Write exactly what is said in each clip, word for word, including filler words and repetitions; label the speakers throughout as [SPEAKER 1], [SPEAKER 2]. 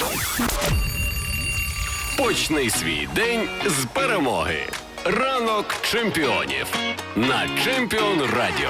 [SPEAKER 1] Почни свій день з перемоги. Ранок чемпіонів на Чемпіон Радіо.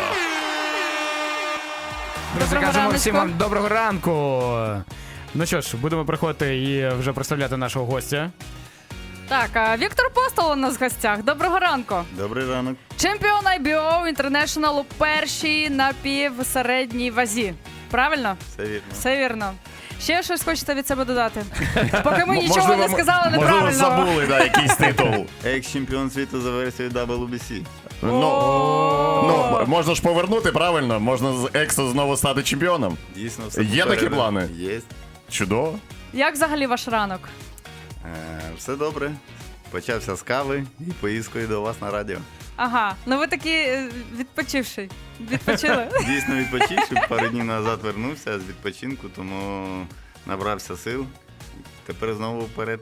[SPEAKER 2] Друзі, кажемо всім вам доброго ранку. Ну що ж, будемо приходити і вже представляти нашого гостя.
[SPEAKER 3] Так, а Віктор Постол у нас в гостях. Доброго ранку.
[SPEAKER 4] Добрий ранок.
[SPEAKER 3] Чемпіон ай бі о International у першій напівсередній вазі. Правильно?
[SPEAKER 4] Все вірно.
[SPEAKER 3] Все вірно. Ще щось хочете від себе додати? Поки ми
[SPEAKER 5] М-
[SPEAKER 3] нічого
[SPEAKER 5] можливо,
[SPEAKER 3] не сказали
[SPEAKER 5] Можливо,
[SPEAKER 3] неправильно.
[SPEAKER 5] забули, да, якийсь титул.
[SPEAKER 4] Екс-чемпіон світу за версією дабл ю бі сі.
[SPEAKER 5] Ну, ну, м- можна ж повернути, правильно? Можна з Ексо знову стати чемпіоном.
[SPEAKER 4] Дійсно, все
[SPEAKER 5] Є такі
[SPEAKER 4] попереду.
[SPEAKER 5] плани?
[SPEAKER 4] Є.
[SPEAKER 5] Чудово.
[SPEAKER 3] Як взагалі ваш ранок?
[SPEAKER 4] Е, все добре. Почався з кави і поїздкою до вас на радіо.
[SPEAKER 3] Ага, ну ви такі е, відпочивший. Відпочили?
[SPEAKER 4] Дійсно відпочивши, пару днів назад вернувся з відпочинку, тому набрався сил. Тепер знову вперед.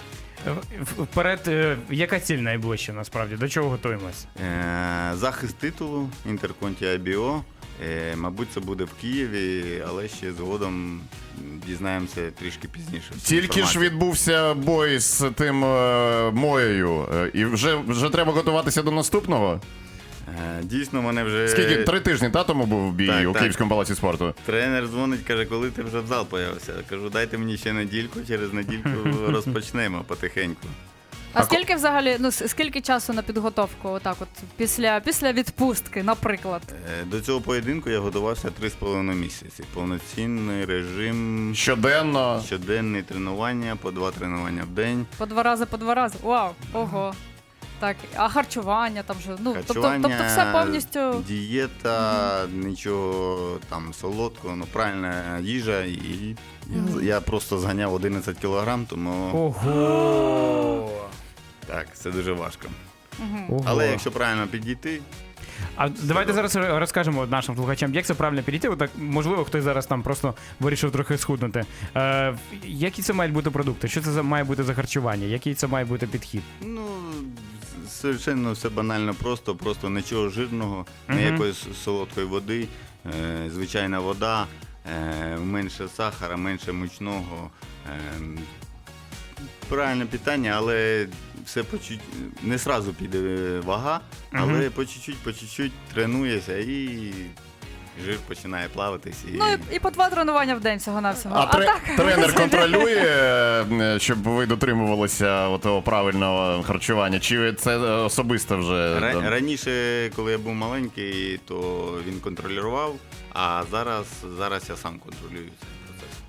[SPEAKER 2] В- Вперед, е, яка ціль найближча насправді? До чого готуємось?
[SPEAKER 4] Е, захист титулу Інтерконті ай бі о. Е, мабуть, це буде в Києві, але ще згодом дізнаємося трішки пізніше.
[SPEAKER 5] Тільки ж відбувся бой з тим е, Моєю. Е, І вже, вже треба готуватися до наступного.
[SPEAKER 4] Е, Дійсно, мене вже...
[SPEAKER 5] Скільки? Три тижні та тому був бій
[SPEAKER 4] Так,
[SPEAKER 5] у
[SPEAKER 4] так.
[SPEAKER 5] Київському палаці спорту.
[SPEAKER 4] Тренер дзвонить, каже, коли ти вже в зал появився. Я кажу, дайте мені ще недільку, через недільку розпочнемо потихеньку.
[SPEAKER 3] А скільки взагалі, ну с- скільки часу на підготовку, отак от, після, після відпустки, наприклад?
[SPEAKER 4] Е, До цього поєдинку я готувався три з половиною місяці. Повноцінний режим,
[SPEAKER 5] Щоденно.
[SPEAKER 4] щоденні тренування, по два тренування в день.
[SPEAKER 3] По два рази, по два рази? Вау, ого. Так, а харчування там же, ну, тобто,
[SPEAKER 4] Харчування,
[SPEAKER 3] тобто все повністю...
[SPEAKER 4] дієта, нічого там солодкого, ну правильна їжа. І я, я просто зганяв одинадцять кілограм, тому
[SPEAKER 2] Ого!
[SPEAKER 4] так, це дуже важко.
[SPEAKER 2] Ого.
[SPEAKER 4] Але якщо правильно підійти,
[SPEAKER 2] А давайте зараз розкажемо нашим слухачам, як це правильно підійти. Отак, можливо, хтось зараз там просто вирішив трохи схуднути. Е, які це мають бути продукти? Що це за має бути за харчування? Який це має бути підхід?
[SPEAKER 4] ну, совершенно все банально просто, просто нічого жирного,
[SPEAKER 2] Мгм.
[SPEAKER 4] ніякої с- солодкої води, е, звичайна вода, е, менше сахара, менше мучного. Е, правильне питання, але все по чуть не сразу піде вага, але
[SPEAKER 2] Мгм.
[SPEAKER 4] по чуть-чуть, по чуть-чуть тренуєшся і жир починає плаватись. І...
[SPEAKER 3] Ну і, і по два тренування в день всього-навсього.
[SPEAKER 5] А, тре-
[SPEAKER 3] так?
[SPEAKER 5] тренер контролює, е, щоб ви дотримувалися того правильного харчування? Чи це особисто вже?
[SPEAKER 4] Ра- Раніше, коли я був маленький, то він контролював, а зараз, зараз я сам контролюю цей процес.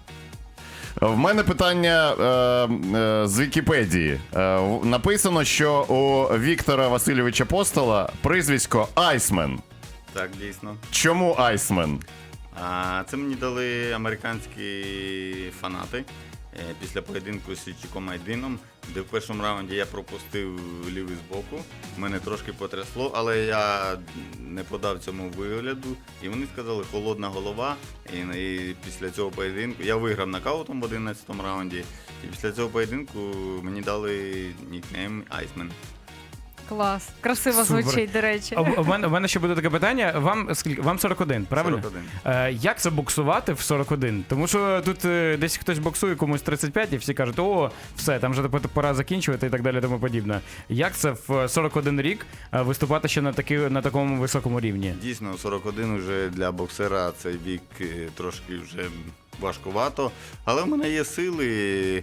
[SPEAKER 5] В мене питання е, е, з Вікіпедії. Е, в- написано, що у Віктора Васильовича Постола прізвисько Айсмен.
[SPEAKER 4] Так, дійсно.
[SPEAKER 5] Чому Айсмен?
[SPEAKER 4] А, це мені дали американські фанати е, після поєдинку з Січіком Айдином, де в першому раунді я пропустив лівий збоку. Мене трошки потрясло, але я не подав цьому вигляду. І вони сказали холодна голова. І, і після цього поєдинку я виграв нокаутом в одинадцятому раунді. І після цього поєдинку мені дали нікнейм Айсмен.
[SPEAKER 3] Клас. Красиво
[SPEAKER 2] Супер.
[SPEAKER 3] звучить, до речі.
[SPEAKER 2] А в мене, в мене ще буде таке питання. Вам скільки? Вам сорок один, правильно?
[SPEAKER 4] сорок один.
[SPEAKER 2] Е, як це боксувати в сорок один? Тому що тут е, десь хтось боксує комусь тридцять п'ять і всі кажуть, о, все, там вже пора закінчувати і так далі, тому подібне. Як це в сорок один рік е, виступати ще на, таки, на такому високому рівні?
[SPEAKER 4] Дійсно, сорок один вже для боксера цей вік е, трошки вже важкувато. Але в мене є сили.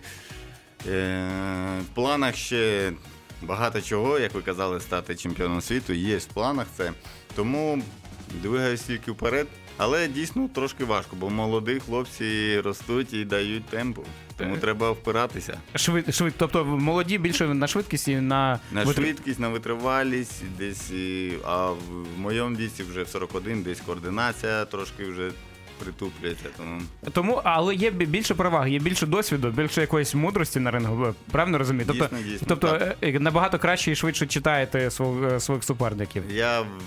[SPEAKER 4] Е, в планах ще багато чого, як ви казали, стати чемпіоном світу. Є в планах це. Тому двигаюсь тільки вперед. Але дійсно трошки важко, бо молоді хлопці ростуть і дають темпу. Тому треба впиратися.
[SPEAKER 2] Швид, швид, тобто молоді більше на швидкість і на,
[SPEAKER 4] На
[SPEAKER 2] витр-
[SPEAKER 4] швидкість, на витривалість, десь, і- а в моєму віці вже в сорок один, десь координація трошки вже притуплюється. Тому
[SPEAKER 2] Тому, але є бі- більше переваг, є більше досвіду, більше якоїсь мудрості на рингу. Правильно розумію? Тобто,
[SPEAKER 4] Дійсно, дійсно,
[SPEAKER 2] тобто
[SPEAKER 4] так.
[SPEAKER 2] е, набагато краще і швидше читаєте свого- своїх суперників.
[SPEAKER 4] я в,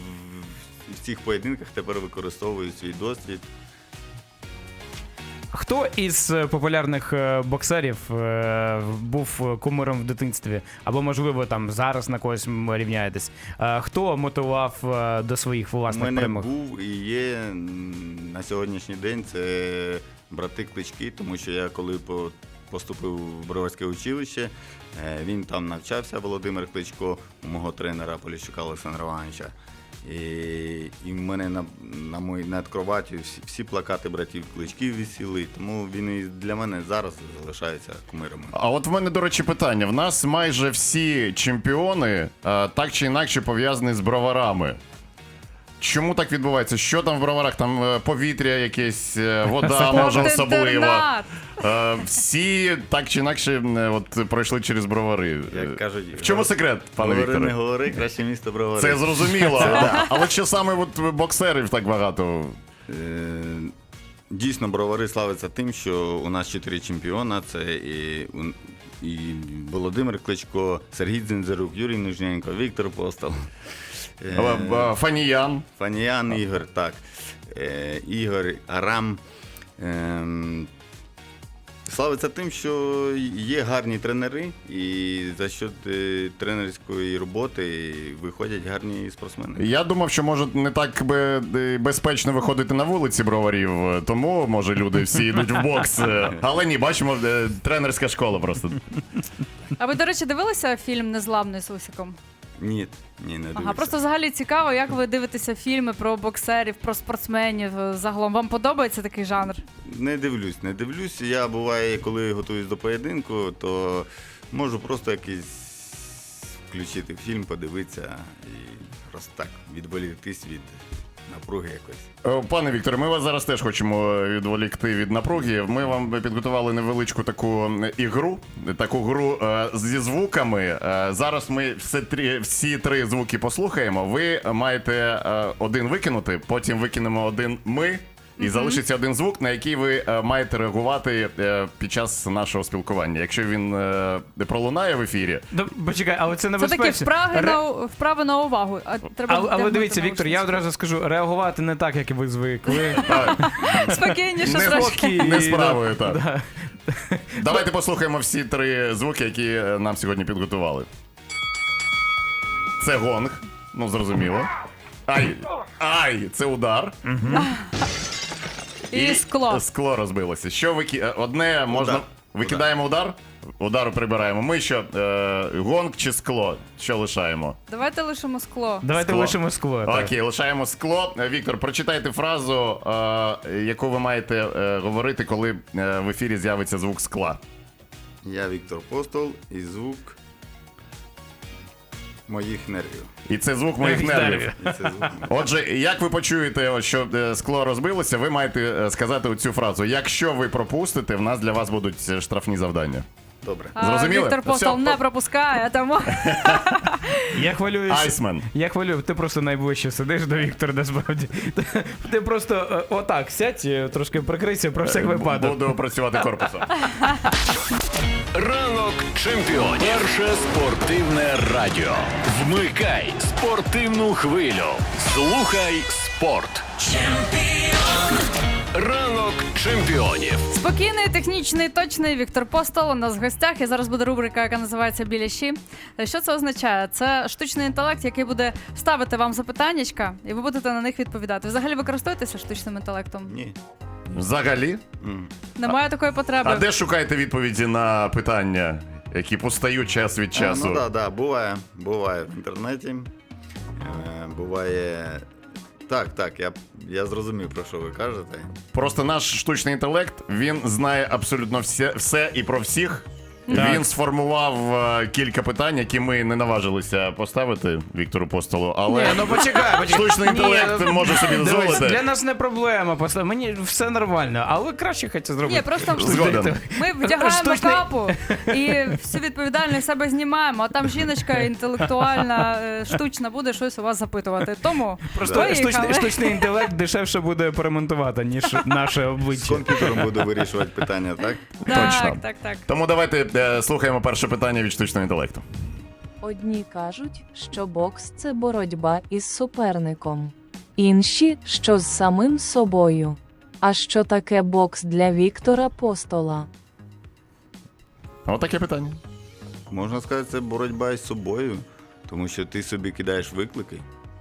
[SPEAKER 4] в цих поєдинках тепер використовую свій досвід.
[SPEAKER 2] Хто із е, популярних е, боксерів е, був кумиром в дитинстві? Або, можливо, там зараз на когось м, рівняєтесь? Е, Хто мотивував е, до своїх
[SPEAKER 4] У
[SPEAKER 2] власних
[SPEAKER 4] мене
[SPEAKER 2] перемог?
[SPEAKER 4] був і є м, на сьогоднішній день це брати Клички, тому що я коли по поступив в Броварське училище. Е, Він там навчався, Володимир Кличко, у мого тренера Поліщука Олександра Івановича. І, і в мене на, на моїй над кроваттю всі, всі плакати братів Кличків висіли, тому він і для мене зараз залишається кумиром.
[SPEAKER 5] А от в мене, до речі, питання. В нас майже всі чемпіони е, так чи інакше пов'язані з броварами. Чому так відбувається? Що там в броварах? Там е, повітря якесь, е, вода може особлива.
[SPEAKER 3] Спортінтернат.
[SPEAKER 5] Е, всі так чи інакше е, от, пройшли через бровари.
[SPEAKER 4] Як кажуть,
[SPEAKER 5] В чому секрет, пане
[SPEAKER 4] говори, не
[SPEAKER 5] Вікторе?
[SPEAKER 4] говори, краще місто Бровари.
[SPEAKER 5] Це зрозуміло. Але що саме от, боксерів так багато?
[SPEAKER 4] Е, Дійсно, Бровари славиться тим, що у нас чотири чемпіона. Це і, і Володимир Кличко, Сергій Дзинзерук, Юрій Нижненко, Віктор Постол.
[SPEAKER 5] Е, е, Фаніян.
[SPEAKER 4] Фаніян Ігор, так. Е, Ігор Арам. Е, славиться тим, що є гарні тренери, і за счет е, тренерської роботи виходять гарні спортсмени.
[SPEAKER 5] Я думав, що може не так би е, безпечно виходити на вулиці броварів, е, тому може люди всі йдуть в бокс. е, Але ні, бачимо, е, тренерська школа просто.
[SPEAKER 3] А ви, до речі, дивилися фільм «Незламний» з Усіком?
[SPEAKER 4] Ні, ні, не дивлюся.
[SPEAKER 3] Ага, просто взагалі цікаво, як ви дивитеся фільми про боксерів, про спортсменів е, загалом. Вам подобається такий жанр?
[SPEAKER 4] Не дивлюсь, не дивлюсь. Я буває, коли готуюсь до поєдинку, то можу просто якийсь включити фільм, подивитися і просто так відволіктись від напруги якось.
[SPEAKER 5] Е, Пане Вікторе, ми вас зараз теж хочемо відволікти від напруги. Ми вам підготували невеличку таку ігру, таку гру е, зі звуками. Е, Зараз ми всі три, всі три звуки послухаємо. Ви маєте е, один викинути, потім викинемо один ми. І залишиться один звук, на який ви е, маєте реагувати е, під час нашого спілкування. Якщо він е, пролунає в ефірі,
[SPEAKER 2] Да, почекай, але це
[SPEAKER 3] Це
[SPEAKER 2] небезпечно.
[SPEAKER 3] такі вправи,
[SPEAKER 2] Ре-
[SPEAKER 3] на, вправи на увагу. А, треба
[SPEAKER 2] Але, але
[SPEAKER 3] вдягнути
[SPEAKER 2] дивіться, Віктор, я
[SPEAKER 3] наушники.
[SPEAKER 2] одразу скажу, реагувати не так, як і ви звикли.
[SPEAKER 3] Спокійніше
[SPEAKER 5] Не
[SPEAKER 3] трошки.
[SPEAKER 2] Спокійно.
[SPEAKER 5] не справою, так.
[SPEAKER 2] Да.
[SPEAKER 5] Давайте послухаємо всі три звуки, які е, нам сьогодні підготували. Це гонг, ну зрозуміло. Ай, ай, це удар.
[SPEAKER 3] І скло.
[SPEAKER 5] Скло розбилося. Що вики... е, Одне можна.
[SPEAKER 4] Удар.
[SPEAKER 5] Викидаємо удар, удару прибираємо. Ми що, е, гонг чи скло? Що лишаємо?
[SPEAKER 3] Давайте лишимо скло.
[SPEAKER 2] Давайте
[SPEAKER 5] Скло.
[SPEAKER 2] лишимо скло. так.
[SPEAKER 5] Окей, лишаємо скло. Е, Віктор, прочитайте фразу, е, яку ви маєте е, говорити, коли е, в ефірі з'явиться звук скла.
[SPEAKER 4] Я Віктор Постол і звук моїх нервів.
[SPEAKER 5] І це звук моїх нервів.
[SPEAKER 4] І це звук моїх.
[SPEAKER 5] Отже, як ви почуєте, що е, скло розбилося, ви маєте е, сказати оцю фразу. Якщо ви пропустите, в нас для вас будуть е, штрафні завдання.
[SPEAKER 4] Добре.
[SPEAKER 3] А
[SPEAKER 5] Зрозуміли?
[SPEAKER 3] Віктор Постол
[SPEAKER 5] Все,
[SPEAKER 3] не
[SPEAKER 5] по-
[SPEAKER 3] пропускає, тому
[SPEAKER 2] Я хвилююся.
[SPEAKER 5] Айсмен.
[SPEAKER 2] Я хвилюю, ти просто найближче сидиш до Віктора, насправді. Ти просто е, отак сядь, е, трошки прикрийся про всяк випадок.
[SPEAKER 5] Буду працювати корпусом.
[SPEAKER 1] Ранок чемпіонів. Перше спортивне радіо. Вмикай спортивну хвилю. Слухай спорт. Ранок чемпіонів.
[SPEAKER 3] спокійний, технічний, точний Віктор Постол у нас в гостях. І зараз буде рубрика, яка називається «Біляші». Що це означає? Це штучний інтелект, який буде ставити вам запитаннячка, і ви будете на них відповідати. Взагалі ви користуєтеся штучним інтелектом?
[SPEAKER 4] Ні.
[SPEAKER 5] Взагалі?
[SPEAKER 4] М.
[SPEAKER 3] Немає такої потреби.
[SPEAKER 5] А де шукаєте відповіді на питання, які постають час від
[SPEAKER 4] А,
[SPEAKER 5] часу?
[SPEAKER 4] ну так, да, буває. Буває в інтернеті. Е, буває. Так, так, я, я зрозумів, про що ви кажете.
[SPEAKER 5] Просто наш штучний інтелект, він знає абсолютно все, все і про всіх.
[SPEAKER 2] Так.
[SPEAKER 5] Він сформував е, кілька питань, які ми не наважилися поставити Віктору Постолу, але
[SPEAKER 2] Ні, ну почекай, почекай.
[SPEAKER 5] штучний
[SPEAKER 2] Ні,
[SPEAKER 5] інтелект
[SPEAKER 2] ну,
[SPEAKER 5] може собі
[SPEAKER 2] Дивись,
[SPEAKER 5] дозволити.
[SPEAKER 2] для нас не проблема, просто мені все нормально, але краще хочеться зробити.
[SPEAKER 3] Ні, просто
[SPEAKER 5] Згоден.
[SPEAKER 3] ми вдягаємо
[SPEAKER 2] Штучний-
[SPEAKER 3] капу і всю відповідальність себе знімаємо, а там жіночка інтелектуальна, е, штучна буде щось у вас запитувати. Тому
[SPEAKER 2] Просто
[SPEAKER 3] поїхали.
[SPEAKER 2] штучний, штучний інтелект дешевше буде перемонтувати, ніж наше
[SPEAKER 4] З
[SPEAKER 2] обличчя.
[SPEAKER 4] комп'ютером буду вирішувати питання, так?
[SPEAKER 3] Так,
[SPEAKER 5] Точно.
[SPEAKER 3] так, так.
[SPEAKER 5] Тому давайте е, слухаємо перше питання від штучного інтелекту.
[SPEAKER 6] Одні кажуть, що бокс це боротьба із суперником. Інші, що з самим собою. А що таке бокс для Віктора Постола?
[SPEAKER 5] Отаке питання.
[SPEAKER 4] Можна сказати, це боротьба із собою, тому що ти собі кидаєш виклики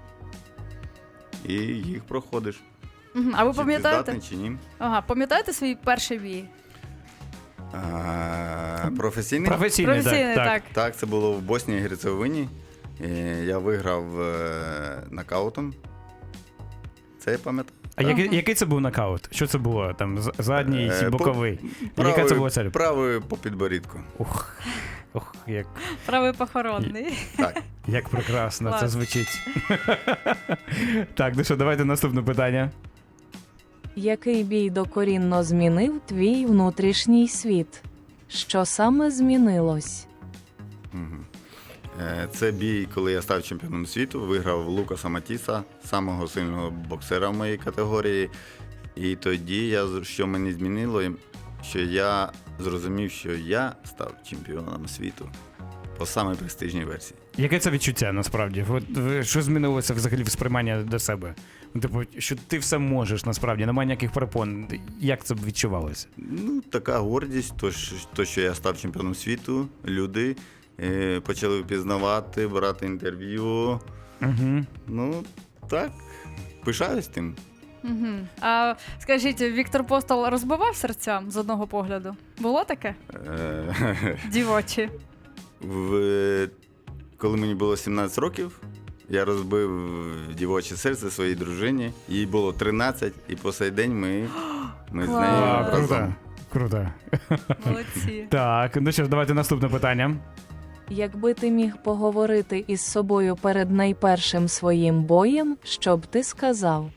[SPEAKER 4] і їх проходиш.
[SPEAKER 3] Мгм. А ви
[SPEAKER 4] Чи ти
[SPEAKER 3] пам'ятаєте?
[SPEAKER 4] здатний, чи ні?
[SPEAKER 3] Ага, пам'ятаєте свій перший бій?
[SPEAKER 4] А, А, професійний?
[SPEAKER 2] Професійний,
[SPEAKER 3] Професійний,
[SPEAKER 2] так.
[SPEAKER 3] так.
[SPEAKER 2] так.
[SPEAKER 4] Так, це було в Боснії і Герцеговині. І я виграв е, нокаутом. Це я пам'ятаю.
[SPEAKER 2] А який, який це був нокаут? Що це було? Там з- задній,
[SPEAKER 4] Е,
[SPEAKER 2] боковий?
[SPEAKER 4] по-
[SPEAKER 2] Яка це
[SPEAKER 4] правий-
[SPEAKER 2] була цель?
[SPEAKER 4] Правий по підборідку.
[SPEAKER 2] Ух, ух, як,
[SPEAKER 3] Правий похоронний.
[SPEAKER 4] Так.
[SPEAKER 2] як прекрасно це
[SPEAKER 3] Клас.
[SPEAKER 2] звучить. Так, ну що, давайте наступне питання.
[SPEAKER 6] Який бій докорінно змінив твій внутрішній світ? Що саме змінилось?
[SPEAKER 4] Мгм. Е, Це бій, коли я став чемпіоном світу, виграв Лукаса Матіса, самого сильного боксера в моїй категорії. І тоді я, з- що мені змінило, що я зрозумів, що я став чемпіоном світу по самій престижній версії.
[SPEAKER 2] Яке це відчуття насправді? От, ви- що змінилося взагалі в сприйманні до себе? Ну, типу, що ти все можеш насправді, немає ніяких перепон. Як це б відчувалося?
[SPEAKER 4] Ну, така гордість, то, що- то що я став чемпіоном світу, люди е, почали впізнавати, брати інтерв'ю.
[SPEAKER 2] Угу.
[SPEAKER 4] Ну, так, пишаюсь тим.
[SPEAKER 3] Мгм. А скажіть, Віктор Постол розбивав серця з одного погляду? Було таке?
[SPEAKER 4] Е,
[SPEAKER 3] Дівочі.
[SPEAKER 4] В... Коли мені було сімнадцять років, я розбив дівоче серце своїй дружині. Їй було тринадцять, і по сей день ми, ми з
[SPEAKER 3] Клас.
[SPEAKER 4] нею
[SPEAKER 2] А, круто.
[SPEAKER 4] разом.
[SPEAKER 2] Круто.
[SPEAKER 3] Молодці.
[SPEAKER 2] Так, ну що ж, давайте наступне питання.
[SPEAKER 6] Якби ти міг поговорити із собою перед найпершим своїм боєм, що б ти сказав?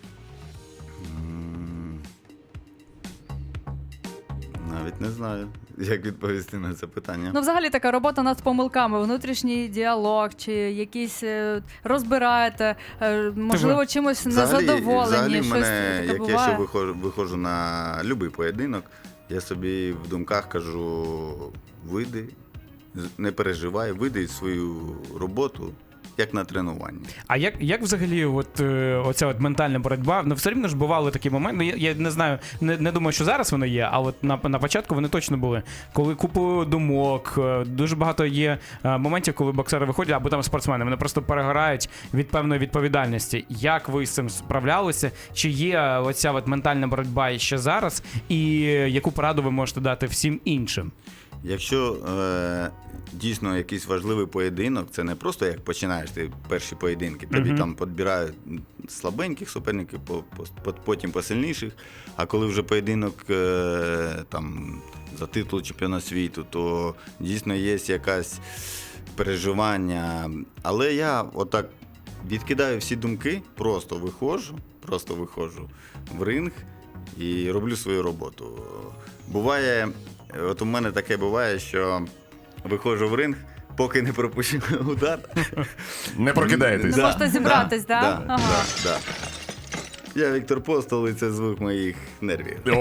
[SPEAKER 4] М, Навіть не знаю, як відповісти на це питання.
[SPEAKER 3] Ну, взагалі така робота над помилками, внутрішній діалог, чи якісь е, розбираєте, е, можливо, чимось незадоволені.
[SPEAKER 4] взагалі в
[SPEAKER 3] щось
[SPEAKER 4] мене,
[SPEAKER 3] таке
[SPEAKER 4] як
[SPEAKER 3] буває.
[SPEAKER 4] я ще виходжу, виходжу на будь-який поєдинок, я собі в думках кажу: вийди, з- не переживай, вийди свою роботу, як на тренуванні.
[SPEAKER 2] А як, як взагалі от, е, оця от ментальна боротьба? Ну, все рівно ж бували такі моменти. Ну, я, я не знаю, не, не думаю, що зараз воно є, а от на, на початку вони точно були. Коли купу думок, е, дуже багато є е, моментів, коли боксери виходять, або там спортсмени, вони просто перегорають від певної відповідальності. Як ви з цим справлялися? Чи є оця от ментальна боротьба і ще зараз? І яку пораду ви можете дати всім іншим?
[SPEAKER 4] Якщо е, дійсно якийсь важливий поєдинок, це не просто як починаєш ти перші поєдинки, тобі
[SPEAKER 2] Мгм.
[SPEAKER 4] там підбирають слабеньких суперників, по, по, потім посильніших. А коли вже поєдинок е, там, за титул чемпіона світу, то дійсно є якась переживання. Але я отак відкидаю всі думки, просто виходжу, просто виходжу в ринг і роблю свою роботу. Буває, от у мене таке буває, що виходжу в ринг, поки не пропущу удар.
[SPEAKER 5] Не прокидаєтесь.
[SPEAKER 3] Не можете зібратись, да?
[SPEAKER 4] Да,
[SPEAKER 3] Ага.
[SPEAKER 4] да, да. Я Віктор Постол, і це звук моїх нервів.
[SPEAKER 5] О,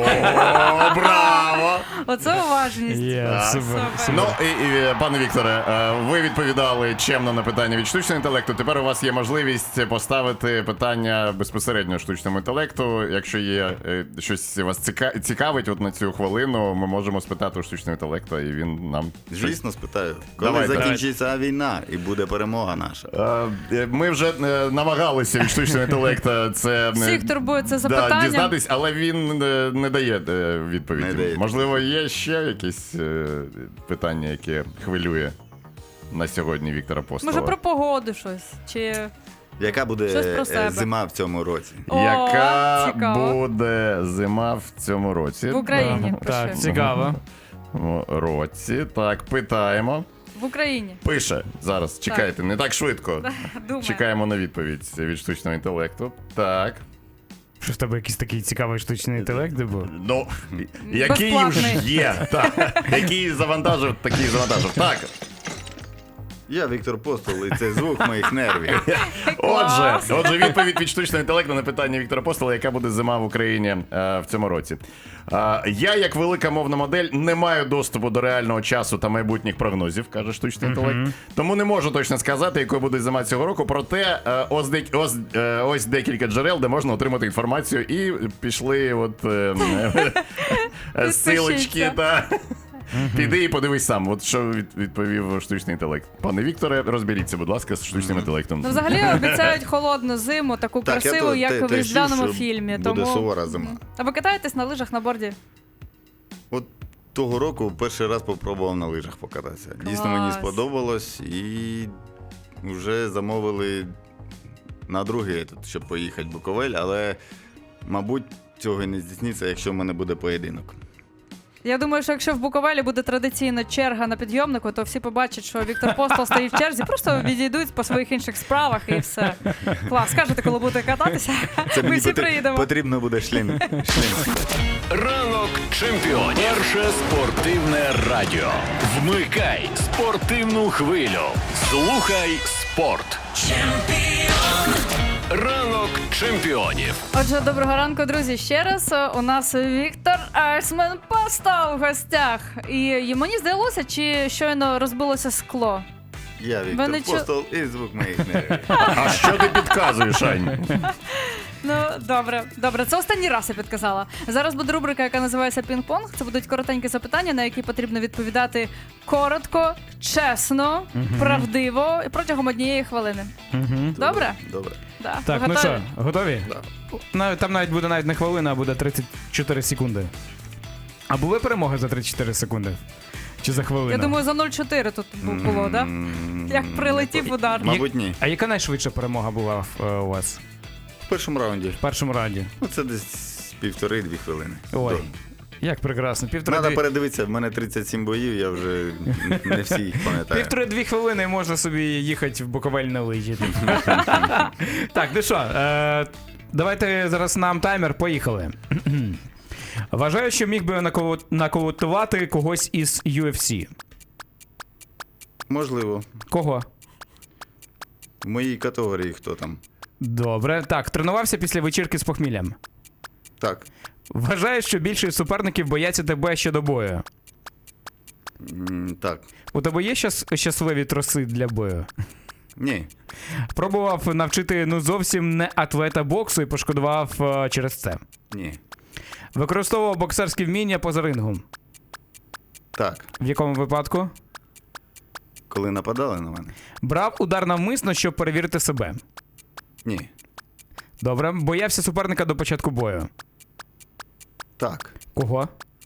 [SPEAKER 5] браво!
[SPEAKER 3] Оце уважність.
[SPEAKER 2] Є,
[SPEAKER 5] Так.
[SPEAKER 2] супер,
[SPEAKER 3] Супер.
[SPEAKER 2] супер.
[SPEAKER 5] Ну і, і пане Вікторе, е, ви відповідали чемно на питання від штучного інтелекту. Тепер у вас є можливість поставити питання безпосередньо штучному інтелекту. Якщо є е, щось вас ціка- цікавить, от на цю хвилину ми можемо спитати у штучного інтелекту, і він нам щось-
[SPEAKER 4] Звісно, спитаю. Коли
[SPEAKER 5] Давайте.
[SPEAKER 4] закінчиться війна і буде перемога наша.
[SPEAKER 5] Е, Ми вже е, намагалися від штучного інтелекту це е,
[SPEAKER 3] Всіх турбує це
[SPEAKER 5] да,
[SPEAKER 3] запитання.
[SPEAKER 5] дізнатись, але він е, не дає е, відповіді.
[SPEAKER 4] Не дає.
[SPEAKER 5] Можливо, є ще якісь е, питання, яке хвилює на сьогодні Віктора Постола.
[SPEAKER 3] Може про погоду щось? Чи
[SPEAKER 4] Яка буде
[SPEAKER 3] Щось про
[SPEAKER 4] е,
[SPEAKER 3] себе.
[SPEAKER 4] зима в цьому році?
[SPEAKER 3] О,
[SPEAKER 5] Яка
[SPEAKER 3] цікаво.
[SPEAKER 5] буде зима в цьому році?
[SPEAKER 3] в Україні?
[SPEAKER 2] Так,
[SPEAKER 3] Пиши.
[SPEAKER 2] цікаво.
[SPEAKER 5] В році. Так, питаємо.
[SPEAKER 3] В Україні.
[SPEAKER 5] Пише зараз. Чекайте, не так швидко.
[SPEAKER 3] Думаю.
[SPEAKER 5] Чекаємо на відповідь від штучного інтелекту. Так.
[SPEAKER 2] Що в тебе якийсь такий цікавий штучний інтелект був?
[SPEAKER 5] Ну, який
[SPEAKER 3] Безплатний.
[SPEAKER 5] ж є, так. Який завантажив, такий завантажив. Так,
[SPEAKER 4] Я Віктор Постол, і це звук моїх нервів.
[SPEAKER 5] отже,
[SPEAKER 3] Клас.
[SPEAKER 5] отже, відповідь від штучного інтелекту на питання Віктора Постола, яка буде зима в Україні е, в цьому році. Е, я, як велика мовна модель, не маю доступу до реального часу та майбутніх прогнозів, каже штучний інтелект. Тому не можу точно сказати, якою буде зима цього року. Проте е, ось, дек- ось, е, ось декілька джерел, де можна отримати інформацію, і пішли от е, е, силочки та. Піди і подивись сам, от що від- відповів штучний інтелект. Пане Вікторе, розберіться, будь ласка, з штучним інтелектом.
[SPEAKER 3] Ну, взагалі обіцяють холодну зиму, таку
[SPEAKER 4] Так, я
[SPEAKER 3] красиву,
[SPEAKER 4] то-
[SPEAKER 3] як
[SPEAKER 4] те-
[SPEAKER 3] в
[SPEAKER 4] те
[SPEAKER 3] різдвяному
[SPEAKER 4] чув, що
[SPEAKER 3] фільмі.
[SPEAKER 4] буде
[SPEAKER 3] Тому...
[SPEAKER 4] сувора зима.
[SPEAKER 3] А ви катаєтесь на лижах на борді?
[SPEAKER 4] От того року перший раз попробував на лижах покататися. Дійсно, мені
[SPEAKER 3] Клас.
[SPEAKER 4] сподобалось і вже замовили на другий, етап, щоб поїхати в Буковель, але, мабуть, цього і не здійсниться, якщо в мене буде поєдинок.
[SPEAKER 3] Я думаю, що якщо в Буковелі буде традиційно черга на підйомнику, то всі побачать, що Віктор Постол стоїть в черзі, просто відійдуть по своїх інших справах і все. Клас, скажете, коли будете кататися,
[SPEAKER 4] Це
[SPEAKER 3] ми
[SPEAKER 4] мені
[SPEAKER 3] всі
[SPEAKER 4] потр-
[SPEAKER 3] приїдемо.
[SPEAKER 4] потрібно буде шлем. шлем.
[SPEAKER 1] Ранок чемпіонів. Перше спортивне радіо. Вмикай спортивну хвилю. Слухай спорт. Ранок чемпіонів.
[SPEAKER 3] Отже, доброго ранку, друзі. Ще раз у нас Віктор Айсмен Постол в гостях. І мені здалося, чи щойно розбилося скло.
[SPEAKER 4] Я
[SPEAKER 3] Ви
[SPEAKER 4] Віктор
[SPEAKER 3] не чу-
[SPEAKER 4] Постол і звук моїх нервів.
[SPEAKER 5] А що ти підказуєш, Ань?
[SPEAKER 3] Ну, добре, добре, це останній раз я підказала. Зараз буде рубрика, яка називається Пінг-понг. Це будуть коротенькі запитання, на які потрібно відповідати коротко, чесно, правдиво і протягом однієї хвилини. Добре?
[SPEAKER 4] Добре.
[SPEAKER 3] Да.
[SPEAKER 2] Так,
[SPEAKER 3] Ви
[SPEAKER 2] ну
[SPEAKER 3] готові?
[SPEAKER 2] що, готові?
[SPEAKER 4] Да.
[SPEAKER 2] Нав- Там навіть буде навіть не хвилина, а буде тридцять чотири секунди. А були перемоги за тридцять чотири секунди? Чи за хвилину?
[SPEAKER 3] Я думаю, за нуль чотири тут бу- було, так? Да?
[SPEAKER 4] М,
[SPEAKER 3] Як прилетів удар.
[SPEAKER 4] Мабуть, ні.
[SPEAKER 2] А яка найшвидша перемога була е, у вас
[SPEAKER 4] В першому раунді.
[SPEAKER 2] в першому раунді?
[SPEAKER 4] Ну, це десь півтори-дві хвилини.
[SPEAKER 2] Ой,
[SPEAKER 4] До-
[SPEAKER 2] як прекрасно. Півтори
[SPEAKER 4] Треба
[SPEAKER 2] дві...
[SPEAKER 4] передивитися, в мене тридцять сім боїв, я вже не всі їх пам'ятаю.
[SPEAKER 2] Півтори-дві хвилини можна собі їхати в Буковель на лижі. Так, ну що, е, давайте зараз нам таймер, поїхали. Вважаю, що міг би наколо- нокаутувати когось із ю еф сі.
[SPEAKER 4] Можливо.
[SPEAKER 2] Кого?
[SPEAKER 4] В моїй категорії хто там?
[SPEAKER 2] Добре. Так, тренувався після вечірки з похміллям.
[SPEAKER 4] Так.
[SPEAKER 2] Вважаю, що більшість суперників бояться тебе ще до бою.
[SPEAKER 4] М, Так.
[SPEAKER 2] У тебе є щас щасливі троси для бою?
[SPEAKER 4] Ні.
[SPEAKER 2] Пробував навчити ну зовсім не атлета боксу і пошкодував е, через це.
[SPEAKER 4] Ні.
[SPEAKER 2] Використовував боксерські вміння поза рингом.
[SPEAKER 4] Так.
[SPEAKER 2] В якому випадку?
[SPEAKER 4] Коли нападали на мене?
[SPEAKER 2] Брав удар навмисно, щоб перевірити себе.
[SPEAKER 4] Ні.
[SPEAKER 2] Добре. Боявся суперника до початку бою.
[SPEAKER 4] Так.
[SPEAKER 2] Кого?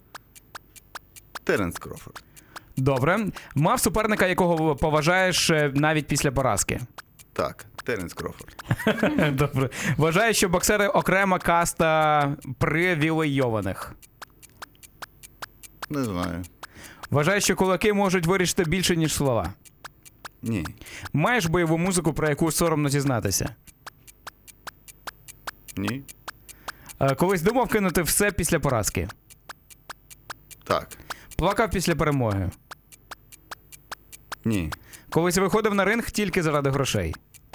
[SPEAKER 4] Теренс Крофорд.
[SPEAKER 2] Добре. Мав суперника, якого поважаєш е, навіть після поразки.
[SPEAKER 4] Так. Теренс Крофорд.
[SPEAKER 2] Добре. Вважаю, що боксери окрема каста привілейованих.
[SPEAKER 4] Не знаю.
[SPEAKER 2] Вважаю, що кулаки можуть вирішити більше, ніж слова.
[SPEAKER 4] Ні.
[SPEAKER 2] Маєш бойову музику, про яку соромно зізнатися.
[SPEAKER 4] Ні.
[SPEAKER 2] Е, Колись думав кинути все після поразки.
[SPEAKER 4] Так.
[SPEAKER 2] Плакав після перемоги.
[SPEAKER 4] Ні.
[SPEAKER 2] Колись виходив на ринг тільки заради грошей.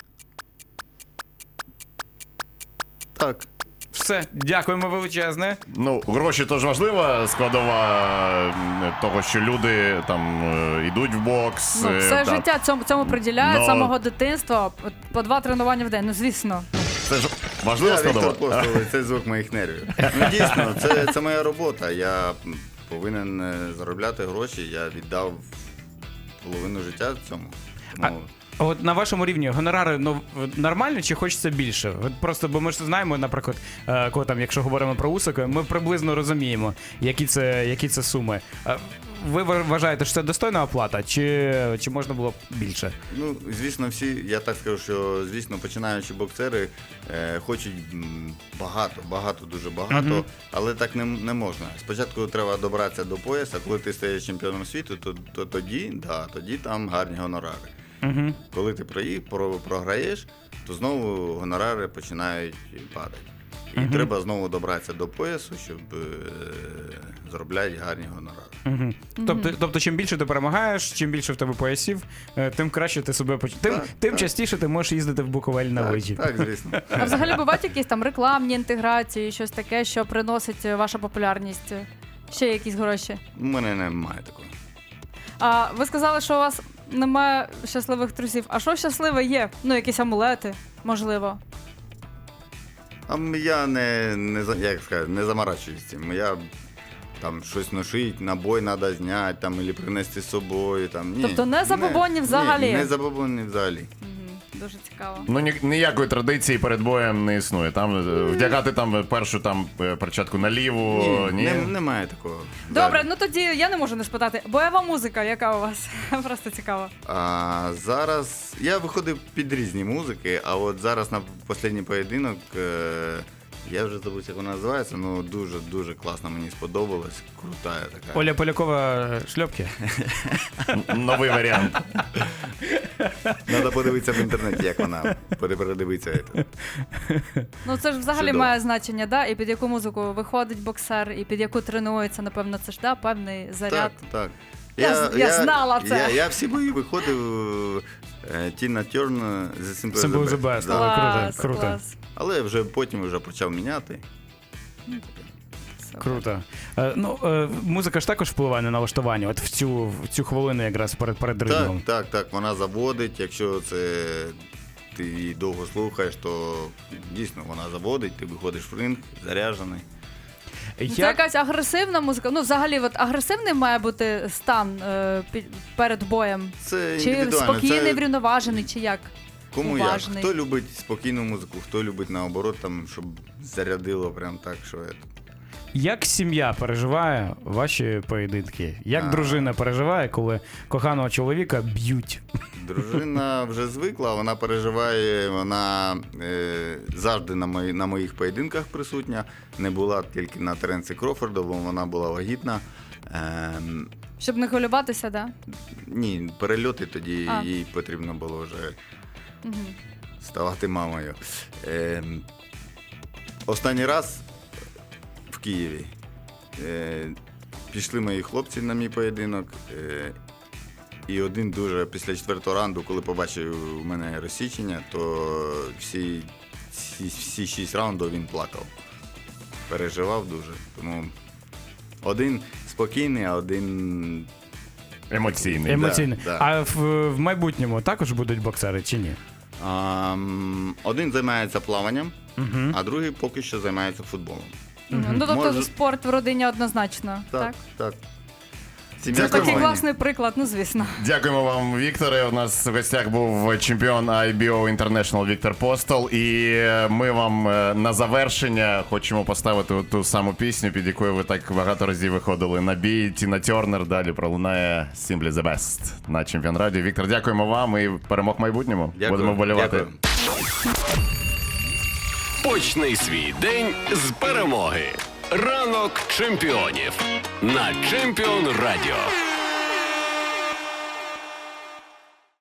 [SPEAKER 4] Так.
[SPEAKER 2] Все, дякуємо величезне.
[SPEAKER 5] Ну, гроші то ж важлива складова м, того, що люди там е, йдуть в бокс.
[SPEAKER 3] Ну,
[SPEAKER 5] е,
[SPEAKER 3] все
[SPEAKER 5] та-
[SPEAKER 3] життя цьому, цьому приділяють,
[SPEAKER 5] Ну.
[SPEAKER 3] з самого дитинства, по- по два тренування в день, ну звісно.
[SPEAKER 5] Це ж важлива
[SPEAKER 4] Я Віктор
[SPEAKER 5] складова.
[SPEAKER 4] Постол, і це звук моїх нервів. Ну, дійсно, це, це моя робота. Я м, повинен е, заробляти гроші. Я віддав половину життя цьому. Тому
[SPEAKER 2] А от на вашому рівні гонорари ну, нормально чи хочеться більше? От просто, бо ми ж знаємо, наприклад, е, коли там, якщо говоримо про Усика, ми приблизно розуміємо, які це, які це суми. Е, Ви вважаєте, що це достойна оплата, чи, чи можна було б більше?
[SPEAKER 4] Ну, звісно, всі, я так скажу, що, звісно, починаючи боксери е, хочуть м, багато, багато, дуже багато,
[SPEAKER 2] Мгм.
[SPEAKER 4] але так не, не можна. Спочатку треба добратися до пояса, коли ти стаєш чемпіоном світу, то, то тоді, да, тоді там гарні гонорари.
[SPEAKER 2] Угу.
[SPEAKER 4] Коли ти прої- про, програєш, то знову гонорари починають падати. І
[SPEAKER 2] Мгм.
[SPEAKER 4] треба знову добратися до поясу, щоб е, заробляти гарні гонорари.
[SPEAKER 2] Угу. Тобто, тобто, чим більше ти перемагаєш, чим більше в тебе поясів, е, тим краще ти себе поч... Тим,
[SPEAKER 4] Так,
[SPEAKER 2] тим
[SPEAKER 4] так.
[SPEAKER 2] частіше ти можеш їздити в Буковель на
[SPEAKER 4] Так,
[SPEAKER 2] лижі.
[SPEAKER 4] так, звісно.
[SPEAKER 3] А взагалі бувають якісь там рекламні інтеграції, щось таке, що приносить е, ваша популярність? Ще якісь гроші?
[SPEAKER 4] У мене немає такого.
[SPEAKER 3] А ви сказали, що у вас немає щасливих трусів. А що щасливе є? Ну, якісь амулети, можливо.
[SPEAKER 4] А м- я не, не, за- як сказати, не заморачуюсь цим. Я там щось ношить, набой треба зняти, там, або принести з собою. Там. Ні,
[SPEAKER 3] Тобто не забобонні взагалі?
[SPEAKER 4] Ні, не забобонні взагалі.
[SPEAKER 3] Дуже цікаво.
[SPEAKER 5] Ну, ні, ніякої традиції перед боєм не існує. Там е, вдягати там першу там е, перчатку на ліву. Ні,
[SPEAKER 4] не, немає такого.
[SPEAKER 3] Добре,
[SPEAKER 4] Да.
[SPEAKER 3] ну тоді я не можу не спитати. Бойова музика, яка у вас? Просто цікаво.
[SPEAKER 4] А зараз я виходив під різні музики, а от зараз на останній поєдинок. Е, я вже забув, як вона називається, ну дуже-дуже класно, мені сподобалось. Крута така.
[SPEAKER 2] Оля Полякова шльопки.
[SPEAKER 5] Новий варіант.
[SPEAKER 4] Треба подивитися в інтернеті, як вона. Передивитися. це.
[SPEAKER 3] Ну це ж взагалі
[SPEAKER 4] Чудово.
[SPEAKER 3] має значення, да? І під яку музику виходить боксер, і під яку тренується, напевно, це ж да, певний заряд.
[SPEAKER 4] Так, так.
[SPEAKER 3] Я з- я знала це.
[SPEAKER 4] Я, я всі бої виходив е, Тіна Терн з Simple
[SPEAKER 2] Simple
[SPEAKER 4] the
[SPEAKER 2] the
[SPEAKER 4] Best.
[SPEAKER 2] Best.
[SPEAKER 4] Да.
[SPEAKER 2] Але
[SPEAKER 3] Клас,
[SPEAKER 2] круто, круто.
[SPEAKER 3] клас.
[SPEAKER 4] Але вже потім вже почав міняти.
[SPEAKER 3] Супер.
[SPEAKER 2] Круто. Е, ну, е, музика ж також впливає на налаштування, от в цю, в цю хвилину якраз перед, перед
[SPEAKER 4] Так,
[SPEAKER 2] ритмом.
[SPEAKER 4] так, так, вона заводить. Якщо це ти її довго слухаєш, то дійсно вона заводить, ти виходиш в ринг, заряджений.
[SPEAKER 3] Ну, Це якась агресивна музика. Ну, взагалі, от агресивний має бути стан е, під, перед боєм.
[SPEAKER 4] Це
[SPEAKER 3] Чи
[SPEAKER 4] індивідуально.
[SPEAKER 3] спокійний,
[SPEAKER 4] це
[SPEAKER 3] врівноважений, чи як?
[SPEAKER 4] кому
[SPEAKER 3] уважний.
[SPEAKER 4] як. Хто любить спокійну музику, хто любить наоборот, там, щоб зарядило прям так, що це.
[SPEAKER 2] Як сім'я переживає ваші поєдинки? Як
[SPEAKER 4] А.
[SPEAKER 2] дружина переживає, коли коханого чоловіка б'ють?
[SPEAKER 4] Дружина вже звикла, вона переживає, вона е, завжди на, мої, на моїх поєдинках присутня. Не була тільки на Теренсі Крофорду, бо вона була вагітна. Е,
[SPEAKER 3] Щоб не хвилюватися, да?
[SPEAKER 4] ні, перельоти тоді
[SPEAKER 3] А.
[SPEAKER 4] їй потрібно було вже
[SPEAKER 3] Угу.
[SPEAKER 4] ставати мамою. Е, останній раз в Києві е, пішли мої хлопці на мій поєдинок. Е, і один дуже після четвертого раунду, коли побачив у мене розсічення, то всі, всі, всі шість раундів він плакав. Переживав дуже. Тому один спокійний, а один
[SPEAKER 5] Емоційний.
[SPEAKER 2] Емоційно.
[SPEAKER 4] да.
[SPEAKER 2] А в, в майбутньому також будуть боксери чи ні?
[SPEAKER 4] а, м, один займається плаванням,
[SPEAKER 2] Угу.
[SPEAKER 4] а другий поки що займається футболом.
[SPEAKER 3] Ну, тобто
[SPEAKER 4] Може-
[SPEAKER 3] спорт в родині однозначно, так?
[SPEAKER 4] Так, так.
[SPEAKER 3] Це
[SPEAKER 4] Сім'я
[SPEAKER 3] такий
[SPEAKER 4] команді.
[SPEAKER 3] класний приклад, ну звісно.
[SPEAKER 5] Дякуємо вам, Вікторе. У нас в гостях був чемпіон ай бі о International Віктор Постол. І ми вам е, на завершення хочемо поставити ту саму пісню, під якою ви так багато разів виходили на бій. Тіна Тернер. Далі пролунає Simply the Best на Чемпіон Радіо. Віктор, дякуємо вам і перемог в майбутньому.
[SPEAKER 4] Дякую.
[SPEAKER 5] Будемо вболівати.
[SPEAKER 4] Дякую.
[SPEAKER 1] Почни свій день з перемоги. Ранок чемпіонів на Чемпіон Радіо.